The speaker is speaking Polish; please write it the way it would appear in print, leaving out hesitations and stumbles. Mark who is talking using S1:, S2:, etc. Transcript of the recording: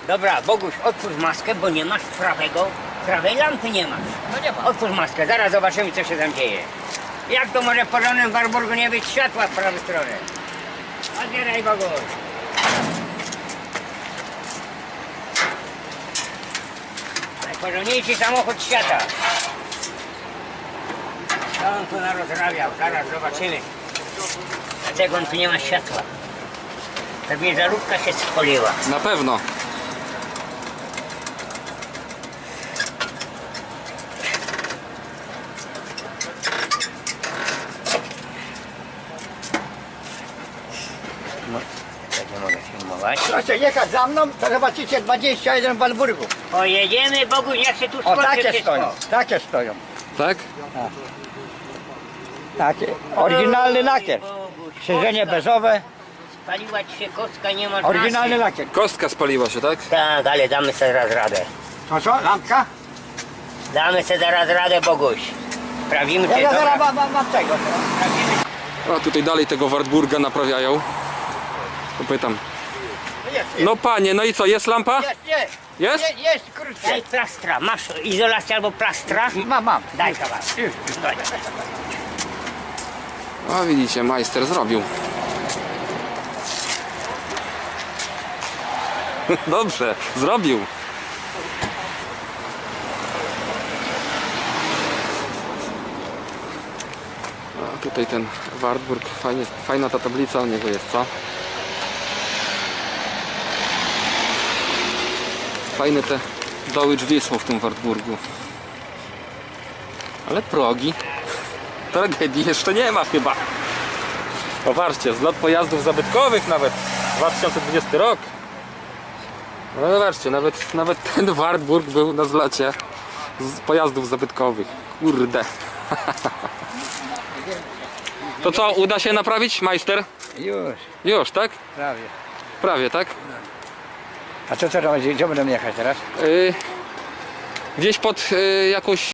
S1: Dobra, Boguś, otwórz maskę, bo nie masz prawej lampy nie masz.
S2: No nie ma.
S1: Otwórz maskę, zaraz zobaczymy, co się tam dzieje. Jak to może w porządnym Warburgu nie być światła w prawą stronę? Otwieraj, Boguś. Najporządniejszy samochód świata. Co on tu narozrabiał? Zaraz zobaczymy. Dlaczego on tu nie ma światła? Pewnie żarówka się spoliła.
S3: Na pewno.
S1: Tak nie mogę filmować.
S2: Proszę jechać za mną, to zobaczycie 21 Warburgów.
S1: Pojedziemy, Boguś, jak się tu
S2: O,
S1: skończy
S2: takie
S1: wszystko.
S2: stoją, takie stoją.
S3: Tak?
S2: Takie. Oryginalny lakier.
S1: Boguś,
S2: Siedzenie
S1: kostka.
S2: bezowe,
S1: Spaliła ci się kostka, nie masz
S2: oryginalny
S1: masy.
S2: lakier.
S3: Kostka spaliła się, tak?
S1: Tak, ale damy sobie zaraz radę.
S2: To co, lampka?
S1: Damy sobie zaraz radę, Boguś. Sprawdzimy, czy
S2: Ja
S1: dobra.
S2: zaraz mam tego.
S1: Sprawdzimy.
S3: A tutaj dalej tego Wartburga naprawiają. To pytam.
S2: Jest,
S3: No panie, no i co, jest lampa?
S2: jest.
S3: Jest?
S2: Jest, krótkie.
S1: Daj plastra. Masz izolację albo plastra?
S2: Mam.
S1: Daj kawałek. Daj.
S3: A widzicie, majster zrobił. Dobrze, zrobił. A tutaj ten Wartburg, fajna ta tablica o niego jest, co? Fajne te doły drzwi są w tym Wartburgu. Ale progi. Tragedii jeszcze nie ma chyba. Popatrzcie, zlot pojazdów zabytkowych nawet. 2020 rok. No zobaczcie, nawet ten Wartburg był na zlocie z pojazdów zabytkowych. Kurde. To co, uda się naprawić, majster?
S2: Już,
S3: Już, tak?
S2: prawie.
S3: Prawie, tak?
S2: A co teraz, gdzie będę jechać teraz?
S3: Gdzieś pod jakąś